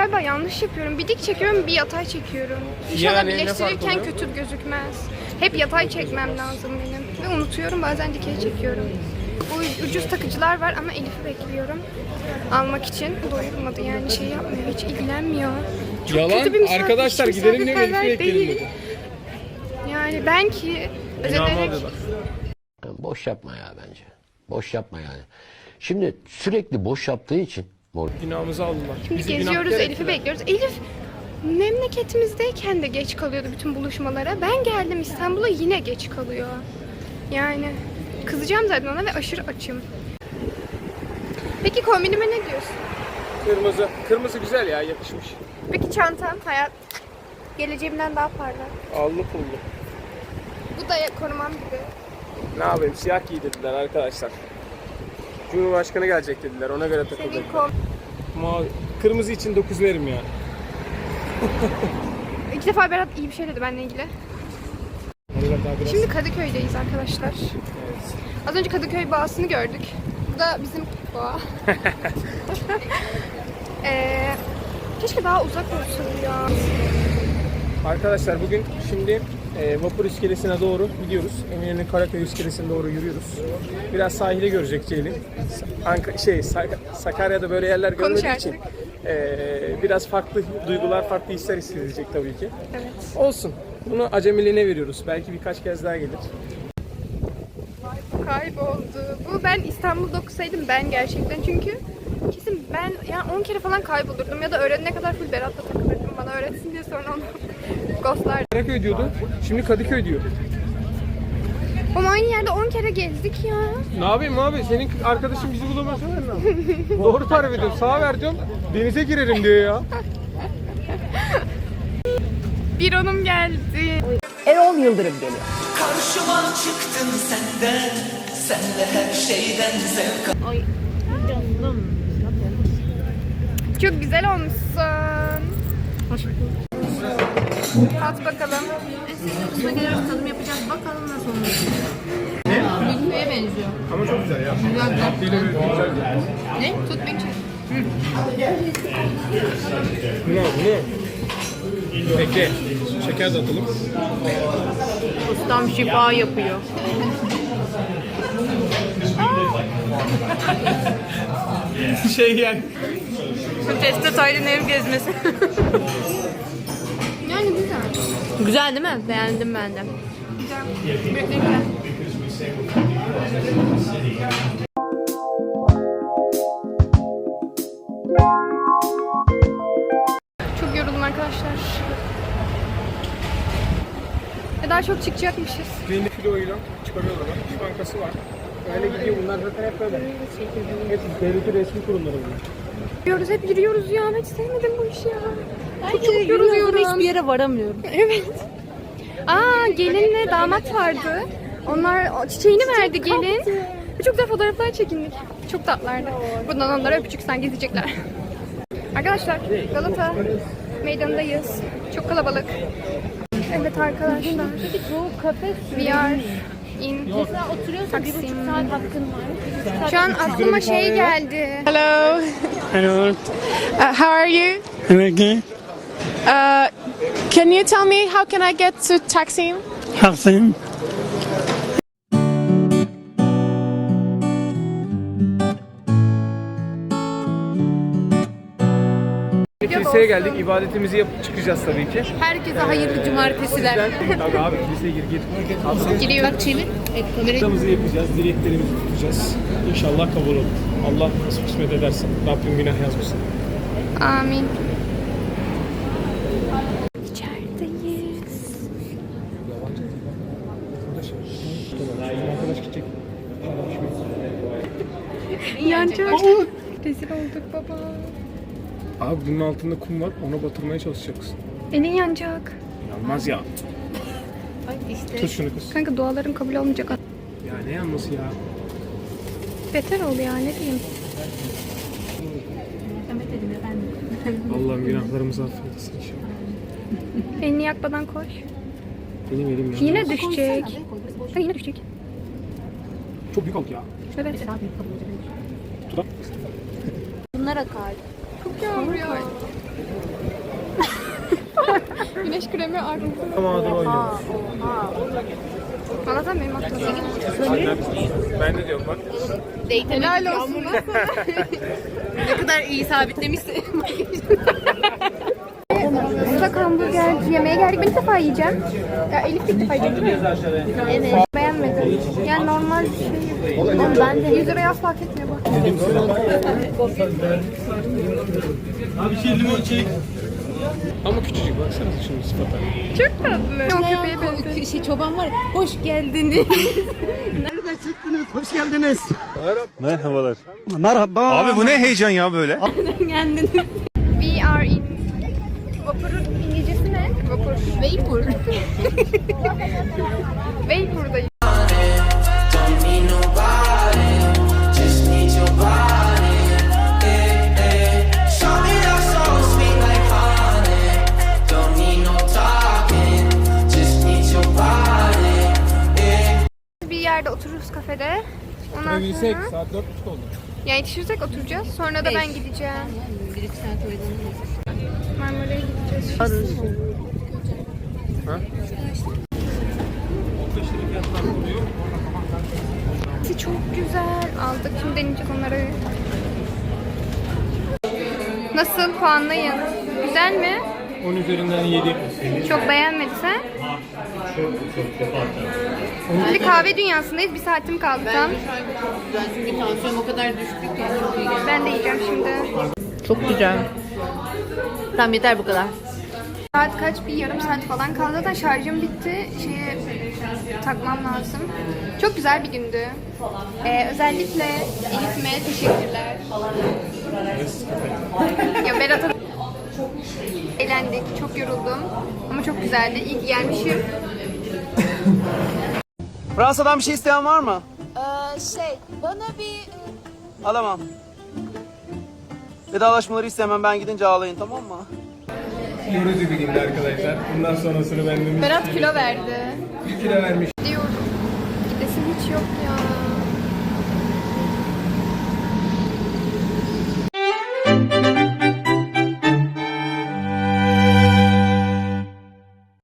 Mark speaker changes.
Speaker 1: galiba yanlış yapıyorum. Bir dik çekiyorum, bir yatay çekiyorum. İnşallah
Speaker 2: Yani ne
Speaker 1: birleştirirken
Speaker 2: fark oluyor?
Speaker 1: kötü gözükmez. Hep yatay çekmem lazım benim. Ve unutuyorum, bazen dikey çekiyorum. Bu ucuz takıcılar var ama Elif'i bekliyorum almak için. Doyurmadı yani, şey yapmıyor, hiç ilgilenmiyor. Çok
Speaker 2: Yalan.
Speaker 1: kötü bir misafir,
Speaker 2: Arkadaşlar
Speaker 1: hiç
Speaker 2: gidelim diye
Speaker 1: misafirperver
Speaker 2: Elif'i bekleyelim
Speaker 1: değil.
Speaker 2: dedi.
Speaker 1: Yani ben ki özenerek...
Speaker 3: Boş yapma ya bence. Boş yapma yani. Şimdi sürekli boş yaptığı için
Speaker 2: Günahımızı aldılar.
Speaker 1: Şimdi
Speaker 2: Bizi
Speaker 1: geziyoruz,
Speaker 2: günahkar
Speaker 1: Elif'i
Speaker 2: ettiler.
Speaker 1: bekliyoruz. Elif memleketimizdeyken de geç kalıyordu bütün buluşmalara. Ben geldim İstanbul'a, yine geç kalıyor. Yani kızacağım zaten ona ve aşırı açım. Peki kombinime ne diyorsun?
Speaker 2: Kırmızı. Kırmızı güzel ya, yakışmış.
Speaker 1: Peki çantam, hayat geleceğimden daha parlak.
Speaker 2: Allı pullu.
Speaker 1: Bu da korumam gibi.
Speaker 2: Ne yapayım, siyah giy dediler arkadaşlar. Cumhurbaşkanı gelecek dediler, ona göre takıldık.
Speaker 1: Senin kom...
Speaker 2: Mavi. Kırmızı için 9 verim ya.
Speaker 1: İlk defa Berat iyi bir şey dedi benimle ilgili.
Speaker 2: Onlar daha biraz...
Speaker 1: Şimdi Kadıköy'deyiz arkadaşlar.
Speaker 2: Evet.
Speaker 1: Az önce Kadıköy Boğası'nı gördük. Bu da bizim boğa. Keşke daha uzak olsun ya.
Speaker 2: Arkadaşlar bugün şimdi vapur iskelesine doğru gidiyoruz. Eminönü Karaköy iskelesine doğru yürüyoruz. Biraz sahili görecek Ceylin. Sakarya'da böyle yerler görmediği için biraz farklı duygular, farklı hisler hissedecek tabii ki.
Speaker 1: Evet.
Speaker 2: Olsun. Bunu acemiliğine veriyoruz. Belki birkaç kez daha gelir.
Speaker 1: Kayboldu. Bu ben İstanbul'da okusaydım ben gerçekten, çünkü kesin ben yani 10 kere falan kaybolurdum ya da öğrenene kadar full Berat'la takılırdım, bana öğretsin diye, sonra onu ghostlardım.
Speaker 2: Karaköy diyordu. Şimdi Kadıköy diyor.
Speaker 1: Ama aynı yerde 10 kere gezdik ya.
Speaker 2: Ne yapayım abi? Senin arkadaşın bizi bulamaz mı? Doğru tarif ediyorum. Sağa ver diyorum. Denize girelim diyor ya.
Speaker 1: Bir onum geldi.
Speaker 4: Erol Yıldırım geliyor.
Speaker 5: Karşıma çıktın senden, senle her şeyden zevk al.
Speaker 4: Ay canım.
Speaker 1: Çok güzel olmuşsun.
Speaker 4: Hoş bulduk.
Speaker 1: At bakalım.
Speaker 4: Üstüne geliriz, tadım yapacağız. Bakalım nasıl olmuş. Milföye benziyor.
Speaker 2: Ama çok güzel ya.
Speaker 4: Ne? Tut beni çek.
Speaker 2: Bunu. Bekle. Şeker de atalım.
Speaker 4: Ustam şifa yapıyor.
Speaker 2: Yani.
Speaker 4: Şu teste Taylan ev gezmesi.
Speaker 1: Yani güzel.
Speaker 4: Güzel değil mi? Beğendim ben de.
Speaker 1: Güzel. Bekle. Çok yoruldum arkadaşlar. Daha çok çıkacakmışız.
Speaker 2: Beni kiloyla çıkarıyorlar. İş Bankası var. Öyle gidiyor. Bunlar zaten hep böyle. Hep devletin resmi kurumları bunlar.
Speaker 1: Yürüyoruz, hep yürüyoruz ya. Ben hiç sevmedim bu işi ya. Çok
Speaker 4: Yoruluyorum.
Speaker 1: yoruluyorum.
Speaker 4: Hiçbir yere varamıyorum.
Speaker 1: Evet. Aa, gelinle damat vardı. Onlar çiçeğini verdi gelin. Ve çok güzel fotoğraflar çekindik. Çok tatlılardı. Buradan onlara öpücüksen gezecekler. Arkadaşlar, Galata meydanındayız. Çok kalabalık. Evet arkadaşlar.
Speaker 4: Bu kafe
Speaker 1: We are in
Speaker 4: mesela oturuyorsa 1,5 saat hakkın var.
Speaker 1: Şu an aklıma şey geldi. Hello.
Speaker 6: Hello.
Speaker 1: How are you?
Speaker 6: Okay.
Speaker 1: Can you tell me how can I get to Taksim?
Speaker 6: Taksim.
Speaker 2: Kiliseye geldik. İbadetimizi yapıp çıkacağız tabii ki.
Speaker 1: Herkese hayırlı cumartesiler.
Speaker 2: Tabii abi kiliseye gir.
Speaker 1: Giriyor.
Speaker 4: Bak çevir. Evet kamerayı.
Speaker 2: Haftamızı yapacağız. Dileklerimizi tutacağız. İnşallah kabul olur. Allah nasip kısmet ederse. Rabbim günah yazmasın.
Speaker 1: Amin. İçerideyiz.
Speaker 2: Arkadaş gidecek.
Speaker 1: Yanacak. Rezil olduk baba.
Speaker 2: Abi bunun altında kum var. Ona batırmaya çalışacaksın.
Speaker 1: Elin yanacak.
Speaker 2: Yanmaz ya.
Speaker 4: Ay işte.
Speaker 2: Tut şunu kız.
Speaker 1: Kanka dualarım kabul olmayacak.
Speaker 2: Ya ne yanması ya?
Speaker 1: Beter ol ya, ne diyeyim.
Speaker 4: Demet dedim ya ben de.
Speaker 2: Allah'ım günahlarımızı affetsin inşallah.
Speaker 1: Elini yakmadan koş.
Speaker 2: Benim elim ya.
Speaker 1: Yine düşecek. Ha, yine düşecek.
Speaker 2: Çok büyük oldu ya.
Speaker 1: Evet.
Speaker 4: Daha büyük kabul olacak.
Speaker 2: Tut.
Speaker 4: Bunlara kal.
Speaker 1: çok yağmurluyor. Güneş kremi arttı.
Speaker 2: Mağdur oynuyoruz.
Speaker 1: Valla sen benim aklıma.
Speaker 2: Ben de diyorum bak.
Speaker 1: Helal olsun.
Speaker 4: Ne kadar iyi sabitlemişsin.
Speaker 1: Islak hamburger yemeye geldik. Ben ilk defa yiyeceğim. Ya Elif de ilk defa yiyecek değil mi? Evet. Beğenmedim. Yani normal bir şey. Oğlum ben de 100 liraya asla hak etmiyor bak.
Speaker 2: Ama küçücük baksana şimdi sıfata.
Speaker 1: Çok tatlı. O köpeğe benziyor.
Speaker 4: Şey çoban var ya, hoş geldiniz.
Speaker 7: Hoş geldiniz.
Speaker 8: Merhabalar.
Speaker 7: Merhaba.
Speaker 8: Abi bu ne heyecan ya böyle?
Speaker 4: Geldiniz.
Speaker 1: We are in... Vapurun İngilizcesi ne? Vapur.
Speaker 4: Vapur.
Speaker 1: Vapur'dayız.
Speaker 5: Don't need nobody, just need your body. Show me your soul sweet like honey. Don't need no talking, just need your body.
Speaker 1: Bir yerde otururuz kafede. Ondan
Speaker 2: Oturabilsek
Speaker 1: sonra...
Speaker 2: saat 4.30 oldu.
Speaker 1: Yani yetişirsek oturacağız. Sonra da ben gideceğim.
Speaker 4: 1-2 saat oyalanırız.
Speaker 1: Marmara'ya gideceğiz.
Speaker 2: Ha?
Speaker 1: Çok güzel. Aldık. Şimdi deneyeceğiz onları. Nasıl? Puanlayın. Güzel mi?
Speaker 2: 10 üzerinden 7.
Speaker 1: Çok beğenmediysen. Şimdi kahve dünyasındayız. Bir saatim kaldı tam.
Speaker 4: Ben çünkü tansiyonum o kadar düştü ki. Çok iyi geldi.
Speaker 1: Ben de yiyeceğim şimdi.
Speaker 4: Çok güzel. Tamam yeter bu kadar.
Speaker 1: Saat kaç? Bir yarım saat falan kaldı. Zaten şarjım bitti. Şeye takmam lazım. Çok güzel bir gündü. Özellikle Elif'ime teşekkürler. Ya Berat'a eğlendik. Çok yoruldum. Ama çok güzeldi. İyi ki gelmişim.
Speaker 7: Fransa'dan bir şey isteyen var mı?
Speaker 9: Bana bir
Speaker 7: Alamam. Vedalaşmaları istemem, ben gidince ağlayın, tamam mı?
Speaker 2: Yorucu bir gündü arkadaşlar. Bundan sonrasını ben de
Speaker 1: Berat kilo verdi.
Speaker 2: 1 kilo vermiş.
Speaker 1: Diyorum. Gidesim hiç yok ya.